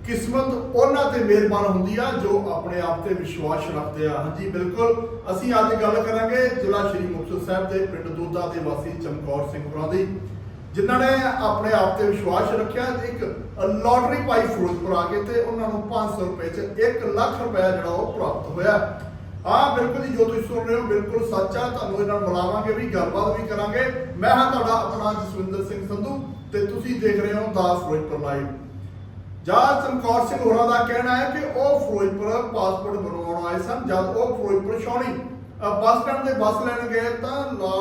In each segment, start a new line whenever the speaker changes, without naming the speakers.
किस्मत उन्हां ते मेहरबान हुंदी आ जो अपने आप ते विश्वास रखते हैं। हाँ जी बिल्कुल, असीं अज गल करांगे जिला श्री मुक्तसर साहिब के पिंड दोदा के वासी चमकौर सिंह होरां दी, जिन्होंने अपने आप ते विश्वास रखिया। एक लॉटरी पाई फिरोजपुर आके ते उन्होंने 500 रुपए च 1 लाख रुपया जिहड़ा वो प्राप्त होया। हाँ बिल्कुल जी, जो तुम सुन रहे हो बिल्कुल सच है। तुहानूं इन्हां नाल मिलावांगे भी, गलबात भी करांगे। मैं हाँ तुहाडा अपना जसविंदर सिंह संधू ते तुसीं देख रहे हो दा फिरोजपुर लाइव। जद चमकौर सिंह होरां दा कहना है कि वह फिरोजपुर पासपोर्ट बनवाउण आए सन। जब वो फिरोजपुर छाउणी बस स्टैंड ते बस लैण गए तां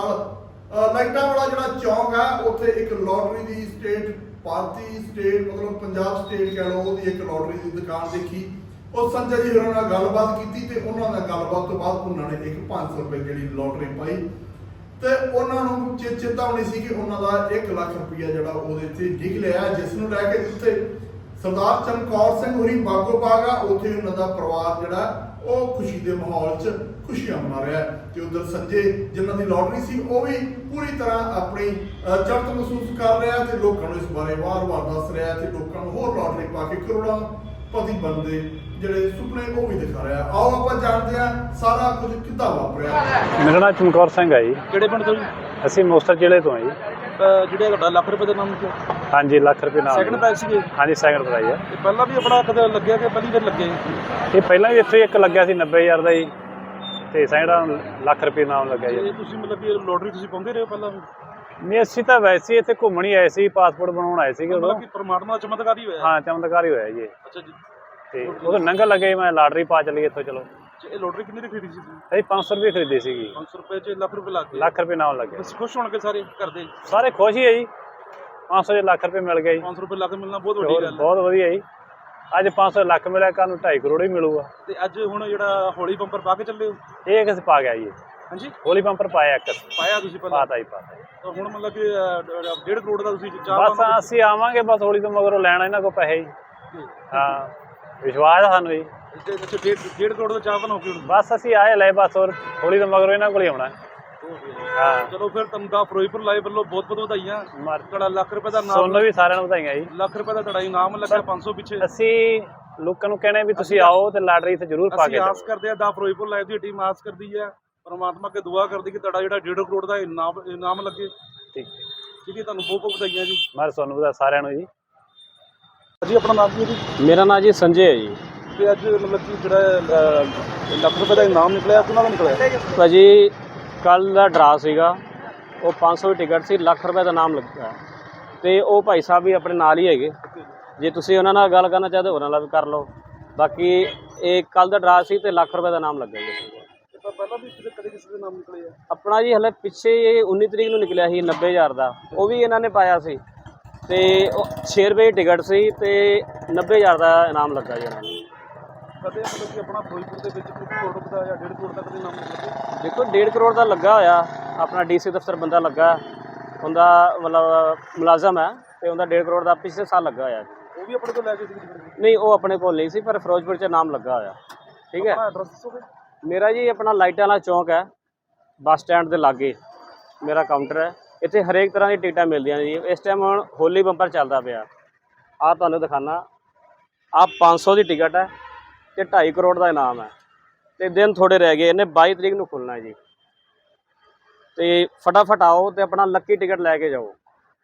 लाल लाइटां वाला जिहड़ा चौक है उत्थे एक लॉटरी दी स्टेट भारती स्टेट मतलब पंजाब स्टेट कह लो ओहदी एक लॉटरी दी दुकान देखी। और संजय जी होरां नाल गलबात कीती ते उन्हां नाल गलबात तो बाद उन्हां ने एक 500 रुपए जिहड़ी लॉटरी पाई ते उन्हां नूं चेतावनी सी कि उन्हां दा 1 लाख रुपया जिहड़ा ओहदे ते निकलिआ, जिस नूं लै के जिੱਥੇ सरदार चमकौर सिंह होरी बागो बाग आ उत्थे उन्हां दा परिवार जिहड़ा ਉਹ खुशी के माहौल च खुशियां मना रहा है। तो उधर संजय जिन्हों की लॉटरी सी वो भी पूरी तरह अपनी चढ़त महसूस कर रहा है तो लोगों को इस बारे वार वार दस रहा है तो लोगों को होर लॉटरी पा के करोड़ों पति बनते ਜਿਹੜੇ ਸੁਪਨੇ ਉਹ ਵੀ ਦਿਖਾ ਰਿਹਾ। ਆਓ ਆਪਾਂ ਜਾਣਦੇ ਹਾਂ ਸਾਰਾ ਕੁਝ ਕਿੱਦਾਂ ਵਾਪਰਿਆ।
ਮੇਰਾ ਨਾਮ ਚਮਕੌਰ ਸਿੰਘ ਹੈ ਜੀ।
ਕਿਹੜੇ ਪਿੰਡ ਤੋਂ ਜੀ?
ਅਸੀਂ ਮੁਕਤਸਰ ਜ਼ਿਲ੍ਹੇ ਤੋਂ ਹਾਂ ਜੀ।
ਜਿਹੜੇ ਤੁਹਾਡਾ ਲੱਖ ਰੁਪਏ ਦਾ ਨਾਮ ਕਿਹਾ?
ਹਾਂਜੀ ਲੱਖ ਰੁਪਏ ਨਾਮ।
ਸੈਕਿੰਡ ਪ੍ਰਾਈਜ਼ ਸੀਗੇ?
ਹਾਂਜੀ ਸੈਕਿੰਡ ਪ੍ਰਾਈਜ਼ ਹੈ।
ਤੇ ਪਹਿਲਾਂ ਵੀ ਆਪਣਾ ਕਦੇ ਲੱਗਿਆ ਕਿ ਪਹਿਲੀ ਵਾਰ ਲੱਗੇ?
ਇਹ ਪਹਿਲਾਂ ਵੀ ਇੱਥੇ ਇੱਕ ਲੱਗਿਆ ਸੀ 90,000 ਦਾ ਜੀ ਤੇ ਸੈਕਿੰਡ ਲੱਖ ਰੁਪਏ ਨਾਮ ਲੱਗਿਆ ਜੀ।
ਤੁਸੀਂ ਮਤਲਬ ਕਿ ਲੋਟਰੀ ਤੁਸੀਂ ਪਾਉਂਦੇ ਰਹੇ ਹੋ ਪਹਿਲਾਂ ਵੀ?
ਨਹੀਂ ਅਸੀਂ ਤਾਂ ਵੈਸੇ ਇੱਥੇ ਘੁੰਮਣ ਹੀ ਆਏ ਸੀ, ਪਾਸਪੋਰਟ ਬਣਾਉਣ ਆਏ ਸੀਗੇ ਉਦੋਂ।
ਕਿ ਪਰਮਾਤਮਾ ਦਾ ਚਮਤਕਾਰ ਹੀ ਹੋਇਆ?
ਹਾਂ ਚਮਤਕਾਰ ਹੀ ਹੋਇਆ ਜੀ।
ਅੱਛਾ ਜੀ।
ਤੇ ਉਦੋਂ ਨੰਗਾ ਲੱਗੇ ਮੈਂ ਲਾਟਰੀ ਪਾ ਚਲੀ ਇੱਥੋਂ। ਚਲੋ
ਇਹ ਲੋਟਰੀ ਕਿੰਨੀ ਦੀ ਖਰੀਦੀ ਸੀ ਤੁਸੀਂ?
ਅਸੀਂ 500 ਰੁਪਏ ਖਰੀਦੀ ਸੀਗੀ।
500 ਰੁਪਏ 'ਚ ਲੱਖ ਰੁਪਏ ਲੱਗ ਗਏ?
ਲੱਖ ਰੁਪਏ ਨਾਮ ਲੱਗਿਆ।
ਬਸ ਖੁਸ਼ ਹੋਣਗੇ ਸਾਰੇ ਘਰ ਦੇ?
ਸਾਰੇ ਖੁਸ਼ ਹੀ ਹੈ ਜੀ, 500 'ਚ ਲੱਖ ਰੁਪਏ ਮਿਲ ਗਿਆ ਜੀ।
500 ਰੁਪਏ ਲੱਖ ਮਿਲਣਾ ਬਹੁਤ ਵੱਡੀ ਗੱਲ ਹੈ।
ਬਹੁਤ ਵਧੀਆ ਜੀ। ਅੱਜ 500 ਲੱਖ ਮਿਲਿਆ, ਕੱਲ੍ਹ ਨੂੰ 2.5 ਕਰੋੜ ਹੀ ਮਿਲੂਗਾ।
ਤੇ ਅੱਜ ਹੁਣ ਜਿਹੜਾ ਹੋਲੀ ਬੰਪਰ ਪਾ ਕੇ ਚੱਲੇ ਹੋ?
ਇਹ ਕਿਸ ਪਾ ਗਿਆ ਜੀ?
ਹਾਂਜੀ
ਹੋਲੀ ਬੰਪਰ ਪਾਇਆ ਇੱਕ
ਪਾਇਆ ਤੁਸੀਂ ਪਹਿਲਾਂ?
ਪਾਤਾ ਹੀ ਪਾਤਾ।
ਤਾਂ ਹੁਣ ਮਤਲਬ ਕਿ 1.5 ਕਰੋੜ ਦਾ ਤੁਸੀਂ
ਬਸ ਅਸੀਂ ਆਵਾਂਗੇ ਬਸ ਹੋਲੀ ਤੋਂ ਮਗਰੋਂ ਲੈਣਾ ਇਹਨਾਂ ਕੋਲ ਪੈਸੇ ਜੀ। ਹਾਂ ਵਿਸ਼ਵਾਸ ਹੈ ਸਾਨੂੰ ਜੀ।
1.5 ਕਰੋੜ ਦਾ ਚਾਹ ਬਣਾਓ ਕਿ
ਬਸ ਅਸੀਂ ਆਏ ਲੈ ਬਸ ਹੋਰ ਹੋਲੀ ਤੋਂ ਮਗਰੋਂ ਇਹਨਾਂ ਕੋਲ ਹੀ ਆਉਣਾ। ਹਾਂ
ਚਲੋ ਫਿਰ ਤੁਹਾਨੂੰ ਦਾ ਫਿਰੋਜ਼ਪੁਰ ਲਾਈਵ ਵੱਲੋਂ ਬਹੁਤ ਬਹੁਤ ਵਧਾਈਆਂ। ਤੁਹਾਡਾ ਲੱਖ ਰੁਪਏ ਦਾ ਨਾਮ,
ਤੁਹਾਨੂੰ ਵੀ ਸਾਰਿਆਂ ਨੂੰ ਵਧਾਈਆਂ ਜੀ।
ਲੱਖ ਰੁਪਏ ਦਾ ਤੁਹਾਡਾ ਇਨਾਮ ਲੱਗਾ 500 ਪਿੱਛੇ।
ਅਸੀਂ ਲੋਕਾਂ ਨੂੰ ਕਹਿਣਾ ਵੀ ਤੁਸੀਂ ਆਓ ਤੇ ਲਾਟਰੀ ਤੇ ਜ਼ਰੂਰ ਪਾ ਕੇ
ਅਸੀਂ ਆਸ ਕਰਦੇ ਆ ਦਾ ਫਿਰੋਜ਼ਪੁਰ ਲਾਈਵ ਦੀ ਟੀਮ ਆਸ ਕਰਦੀ ਹੈ, ਪਰਮਾਤਮਾ ਅੱਗੇ ਦੁਆ ਕਰਦੀ ਕਿ ਤੁਹਾਡਾ ਜਿਹੜਾ 1.5 ਕਰੋੜ ਦਾ ਇਨਾਮ ਲੱਗੇ।
ਠੀਕ
ਹੈ ਤੁਹਾਨੂੰ ਬਹੁਤ ਬਹੁਤ ਵਧਾਈਆਂ ਜੀ।
ਮੈਂ ਤੁਹਾਨੂੰ ਵਧਾ ਸਾਰਿਆਂ ਨੂੰ ਜੀ।
ਜੀ ਆਪਣਾ ਨਾਮ ਕੀ ਹੈ ਜੀ?
ਮੇਰਾ ਨਾਮ ਜੀ ਸੰਜੇ ਹੈ ਜੀ।
ਤੇ ਅੱਜ ਮਤਲਬ ਕਿ ਜਿਹੜਾ ਲੱਖ ਰੁਪਏ ਦਾ ਇਨਾਮ ਨਿਕਲਿਆ ਕਿਹਨਾਂ ਦਾ ਨਿਕਲਿਆ?
ਭਾਜੀ ਕੱਲ੍ਹ ਦਾ ਡਰਾ ਸੀਗਾ, ਉਹ 500 ਦੀ ਟਿਕਟ ਸੀ, ਲੱਖ ਰੁਪਏ ਦਾ ਨਾਮ ਲੱਗਾ। ਤੇ ਉਹ ਭਾਈ ਸਾਹਿਬ ਵੀ ਆਪਣੇ ਨਾਲ ਹੀ ਹੈਗੇ, ਜੇ ਤੁਸੀਂ ਉਹਨਾਂ ਨਾਲ ਗੱਲ ਕਰਨਾ ਚਾਹਦੇ ਉਹਨਾਂ ਨਾਲ ਵੀ ਕਰ ਲਓ। ਬਾਕੀ ਇਹ ਕੱਲ੍ਹ ਦਾ ਡਰਾ ਸੀ ਤੇ ਲੱਖ ਰੁਪਏ ਦਾ ਨਾਮ ਲੱਗਾ ਜੀ।
ਪਹਿਲਾਂ ਵੀ ਕਦੇ ਕਿਸੇ ਦੇ ਨਾਮ ਨਿਕਲੇ ਆ?
ਆਪਣਾ ਜੀ ਹਲੇ ਪਿੱਛੇ 19 ਤਰੀਕ ਨੂੰ ਨਿਕਲਿਆ ਸੀ 90,000 ਦਾ, ਉਹ ਵੀ ਇਹਨਾਂ ਨੇ ਪਾਇਆ ਸੀ ਤੇ 6 ਰੁਪਏ ਦੀ ਟਿਕਟ ਸੀ ਤੇ 90,000 ਦਾ ਇਨਾਮ ਲੱਗਾ ਜੀ ਇਹਨਾਂ ਨੂੰ।
ਕਦੇ ਮਤਲਬ ਕਿ ਆਪਣਾ ਫਿਰੋਜ਼ਪੁਰ ਦੇ ਵਿੱਚ ਕੋਈ ਕਰੋੜ ਰੁਪਏ ਦਾ ਜਾਂ 1.5 ਕਰੋੜ ਦਾ ਕਦੇ ਨਾਮ ਨਿਕਲੇ?
ਦੇਖੋ 1.5 ਕਰੋੜ ਦਾ ਲੱਗਾ ਹੋਇਆ, ਆਪਣਾ DC ਦਫ਼ਤਰ ਬੰਦਾ ਲੱਗਾ, ਉਹਦਾ ਮਤਲਬ ਮੁਲਾਜ਼ਮ ਹੈ ਤੇ ਉਹਦਾ 1.5 ਕਰੋੜ ਦਾ ਪਿਛਲੇ ਸਾਲ ਲੱਗਾ ਹੋਇਆ।
ਉਹ ਵੀ ਆਪਣੇ ਕੋਲ ਲੈ ਕੇ ਸੀ?
ਨਹੀਂ ਉਹ ਆਪਣੇ ਕੋਲ ਨਹੀਂ ਸੀ, ਪਰ ਫਿਰੋਜ਼ਪੁਰ 'ਚ ਨਾਮ ਲੱਗਾ ਹੋਇਆ। ਠੀਕ ਹੈ।
ਐਡਰੈਸ ਦੱਸੋਗੇ?
ਮੇਰਾ ਜੀ ਆਪਣਾ ਲਾਈਟਾਂ ਵਾਲਾ ਚੌਂਕ ਹੈ, ਬੱਸ ਸਟੈਂਡ ਦੇ ਲਾਗੇ ਮੇਰਾ ਕਾਊਂਟਰ ਹੈ। ਇੱਥੇ ਹਰੇਕ ਤਰ੍ਹਾਂ ਦੀ ਟਿਕਟਾਂ ਮਿਲਦੀਆਂ ਨੇ ਜੀ। ਇਸ ਟਾਈਮ ਹੁਣ ਹੋਲੀ ਬੰਪਰ ਚੱਲਦਾ ਪਿਆ, ਆਹ ਤੁਹਾਨੂੰ ਦਿਖਾਣਾ। ਆਹ 500 ਦੀ ਟਿਕਟ ਹੈ ਤੇ 2.5 ਕਰੋੜ ਦਾ ਇਨਾਮ ਹੈ ਤੇ ਦਿਨ ਥੋੜੇ ਰਹਿ ਗਏ, ਇਹਨੇ 22 ਤਰੀਕ ਨੂੰ ਖੁੱਲ੍ਹਣਾ ਹੈ ਜੀ। ਤੇ ਫਟਾਫਟ ਆਓ ਤੇ ਆਪਣਾ ਲੱਕੀ ਟਿਕਟ ਲੈ ਕੇ ਜਾਓ,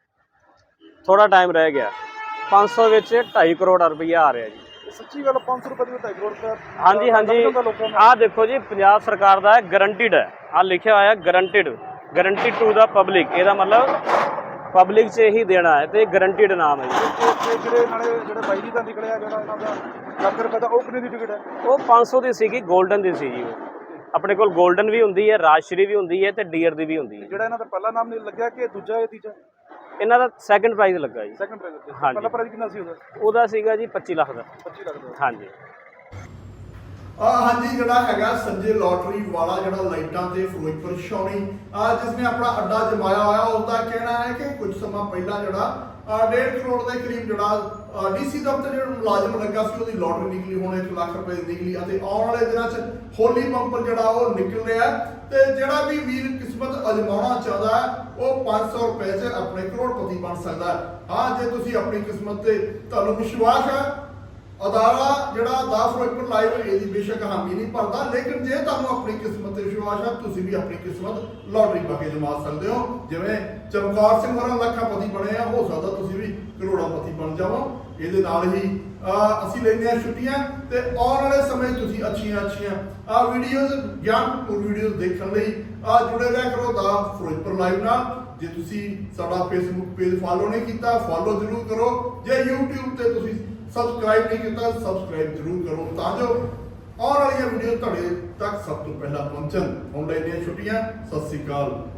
ਥੋੜਾ ਟਾਈਮ ਰਹਿ ਗਿਆ। 500 ਵਿੱਚ 2.5 ਕਰੋੜ ਰੁਪਈਆ ਆ ਰਿਹਾ ਜੀ।
ਸੱਚੀ ਗੱਲ? 500 ਰੁਪਏ ਦੀ 2.5 ਕਰੋੜ ਰੁਪਏ?
ਹਾਂਜੀ ਹਾਂਜੀ। ਆਹ ਦੇਖੋ ਜੀ ਪੰਜਾਬ ਸਰਕਾਰ ਦਾ ਹੈ, ਗਰੰਟਿਡ ਹੈ, ਆਹ ਲਿਖਿਆ ਹੋਇਆ guaranteed, guarantee to the public. ਇਹਦਾ ਮਤਲਬ ਪਬਲਿਕ 'ਚ ਹੀ ਦੇਣਾ ਹੈ ਤੇ ਗਰੰਟਿਡ ਨਾਮ ਹੈ ਜੀ।
ਜਿਹੜੇ ਨਾਲੇ ਜਿਹੜੇ ਬਾਈ ਜੀ ਦਾ ਨਿਕਲਿਆ ਜਿਹੜਾ ਇਹਨਾਂ ਦਾ ਲੱਖ ਰੁਪਏ ਦਾ, ਉਹ ਕਿੰਨੇ ਦੀ ਟਿਕਟ ਹੈ?
ਉਹ 500 ਦੀ ਸੀਗੀ, 골ਡਨ ਦੀ ਸੀ ਜੀ। ਉਹ ਆਪਣੇ ਕੋਲ 골ਡਨ ਵੀ ਹੁੰਦੀ ਹੈ, ਰਾਜਸ਼੍ਰੀ ਵੀ ਹੁੰਦੀ ਹੈ ਤੇ ਡੀਅਰ ਦੀ ਵੀ ਹੁੰਦੀ ਹੈ।
ਜਿਹੜਾ ਇਹਨਾਂ ਦਾ ਪਹਿਲਾ ਨਾਮ ਨਹੀਂ ਲੱਗਿਆ ਕਿ ਦੂਜਾ ਜਾਂ ਤੀਜਾ?
ਇਹਨਾਂ ਦਾ ਸੈਕਿੰਡ ਪ੍ਰਾਈਜ਼ ਲੱਗਾ ਜੀ।
Second prize?
ਹਾਂਜੀ।
ਪਹਿਲਾ ਪ੍ਰਾਈਜ਼ ਕਿੰਨਾ ਸੀ ਉਹਦਾ?
ਉਹਦਾ ਸੀਗਾ ਜੀ 25 ਲੱਖ ਦਾ।
25 ਲੱਖ ਦਾ?
ਹਾਂਜੀ।
हाँ जी, जड़ा हैगा संजय लॉटरी वाला जड़ा लाइटां ते फिरोजपुर छाउणी जिसने अपना अड्डा जमाया होया, उसका कहना है कि कुछ समा पहला जड़ा 1.5 करोड़ के करीब जड़ा DC दफ्तर जो मुलाजम लगा सी उसदी लॉटरी निकली, हुण 1 लाख रुपए निकली अते आउण वाले दिनां च होली बंपर जड़ा वो निकल रहा है। ते जड़ा भी वीर किस्मत अजमाना चाहता है वो 500 रुपए च अपने करोड़पति बन सकता है। हाँ जे तुसीं अपनी किस्मत ते तुहानूं विश्वास है ਅਦਾਰਾ ਜਿਹੜਾ ਦਾ ਫਿਰੋਜ਼ਪੁਰ ਲਾਈਵ ਇਹਦੀ ਬੇਸ਼ੱਕ ਹਾਮੀ ਨਹੀਂ ਭਰਦਾ, ਲੇਕਿਨ ਜੇ ਤੁਹਾਨੂੰ ਆਪਣੀ ਕਿਸਮਤ ਤੇ ਵਿਸ਼ਵਾਸ ਹੈ ਤੁਸੀਂ ਵੀ ਆਪਣੀ ਕਿਸਮਤ ਲਾਟਰੀ ਪਾ ਕੇ ਜਮਾ ਸਕਦੇ ਹੋ। ਜਿਵੇਂ ਚਮਕੌਰ ਸਿੰਘ ਹੋਰਾਂ ਲੱਖਾਪਤੀ ਬਣੇ ਆ, ਹੋ ਸਕਦਾ ਤੁਸੀਂ ਵੀ ਕਰੋੜਾਪਤੀ ਬਣ ਜਾਵੋ। ਇਹਦੇ ਨਾਲ ਹੀ ਅਸੀਂ ਲੈਂਦੇ ਹਾਂ ਛੁੱਟੀਆਂ ਤੇ ਆਉਣ ਵਾਲੇ ਸਮੇਂ ਤੁਸੀਂ ਅੱਛੀਆਂ ਵੀਡੀਓਜ਼ ਗਿਆਨਪੂਰ ਵੀਡੀਓਜ਼ ਦੇਖਣ ਲਈ ਜੁੜੇ ਰਹਿ ਕਰੋ ਦਾ ਫਿਰੋਜ਼ਪੁਰ ਲਾਈਵ ਨਾਲ। ਜੇ ਤੁਸੀਂ ਸਾਡਾ ਫੇਸਬੁੱਕ ਪੇਜ ਫਾਲੋ ਨਹੀਂ ਕੀਤਾ ਫਾਲੋ ਜ਼ਰੂਰ ਕਰੋ। ਜੇ YouTube ਤੇ ਤੁਸੀਂ ਸਬਸਕ੍ਰਾਈਬ ਨਹੀਂ ਕੀਤਾ ਸਬਸਕ੍ਰਾਈਬ ਜ਼ਰੂਰ ਕਰੋ ਤਾਂ ਜੋ ਆਉਣ ਵਾਲੀਆਂ ਵੀਡੀਓ ਤੁਹਾਡੇ ਤੱਕ ਸਭ ਤੋਂ ਪਹਿਲਾਂ ਪਹੁੰਚਣ। ਹੁਣ ਲੈਂਦੇ ਹਾਂ ਛੁੱਟੀਆਂ। ਸਤਿ ਸ੍ਰੀ ਅਕਾਲ।